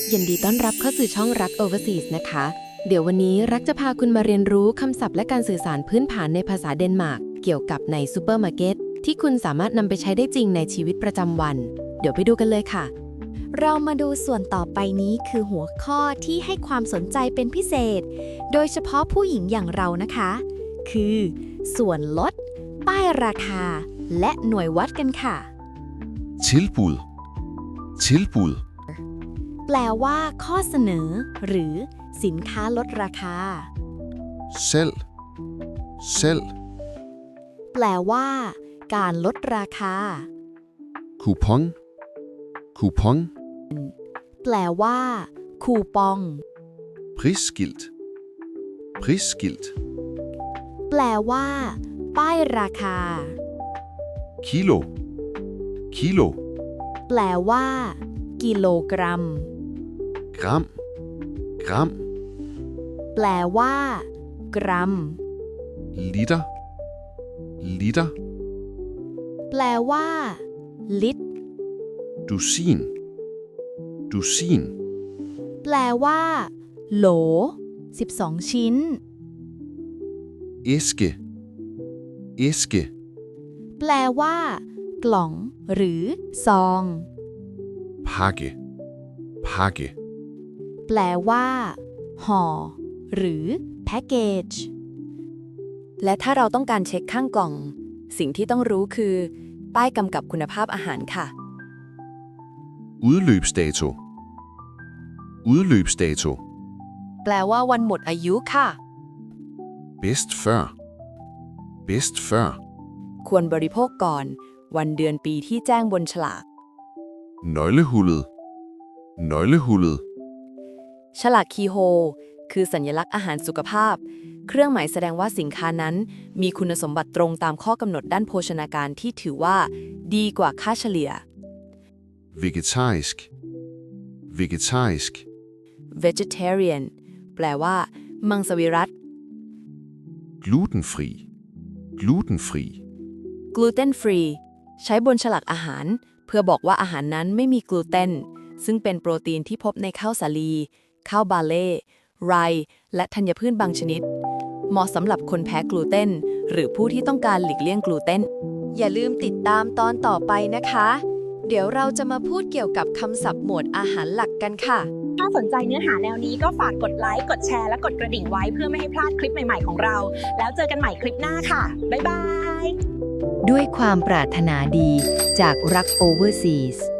ยินดีต้อนรับเข้าสู่ช่องรัก Overseas นะคะ เดี๋ยววันนี้รักจะพาคุณมาเรียนรู้คำศัพท์และการสื่อสารพื้นฐานในภาษาเดนมาร์กเกี่ยวกับในซูเปอร์มาร์เก็ตที่คุณสามารถนำไปใช้ได้จริงในชีวิตประจำวัน เดี๋ยวไปดูกันเลยค่ะเรามาดูส่วนต่อไปนี้คือหัวข้อที่ให้ความสนใจเป็นพิเศษ โดยเฉพาะผู้หญิงอย่างเรานะคะ คือส่วนลด ป้ายราคา และหน่วยวัดกันค่ะ Tilbud. Tilbud. แปลว่าข้อเสนอ หรือสินค้าลดราคา Salg. Salg. แปลว่า การลดราคา Kupon. Kupon. แปลว่า คูปอง Prisskilt. Prisskilt. แปลว่า ป้ายราคา Kilo. Kilo. แปลว่า กิโลกรัม Gram. Gram. แปลว่า กรัม Liter. Liter. แปลว่า ลิตร Dusin. Dusin. แปลว่า โหล 12 ชิ้น Æske. Æske. แปลว่า กล่อง หรือ ซอง Pakke. Pakke. แปลว่า ห่อ หรือ แพ็กเกจและถ้าเราต้องการเช็คข้างกล่อง สิ่งที่ต้องรู้คือ ป้ายกำกับคุณภาพอาหารค่ะ Udløbsdato. Udløbsdato. แปลว่าวันหมดอายุค่ะ Bedst før. Bedst før. ควรบริโภคก่อน วันเดือนปีที่แจ้งบนฉลาก Nøglehullet. Nøglehullet. ฉลากคีโฮคือสัญลักษณ์อาหารสุขภาพ เครื่องหมายแสดงว่าสินค้านั้นมีคุณสมบัติตรงตามข้อกำหนดด้านโภชนาการที่ถือว่า ดีกว่าค่าเฉลี่ย Vegetarisk. Vegetarisk. vegetarian แปลว่า มังสวิรัติ Glutenfri. Glutenfri. gluten free ใช้บนฉลากอาหาร เพื่อบอกว่าอาหารนั้นไม่มีกลูเตน ซึ่งเป็นโปรตีนที่พบในข้าวสาลี ข้าวบาเล่ ไรซ์และธัญพืชบางชนิด เหมาะสำหรับคนแพ้กลูเตน หรือผู้ที่ต้องการหลีกเลี่ยงกลูเตน อย่าลืมติดตามตอนต่อไปนะคะ เดี๋ยวเราจะมาพูดเกี่ยวกับคำศัพท์หมวดอาหารหลักกันค่ะถ้าสนใจเนื้อหาแนวนี้ก็ฝากกดไลค์ กดแชร์ และกดกระดิ่งไว้เพื่อไม่ให้พลาดคลิปใหม่ๆของเรา แล้วเจอกันใหม่คลิปหน้าค่ะ บ๊ายบายด้วยความปรารถนาดีจากรัก Overseas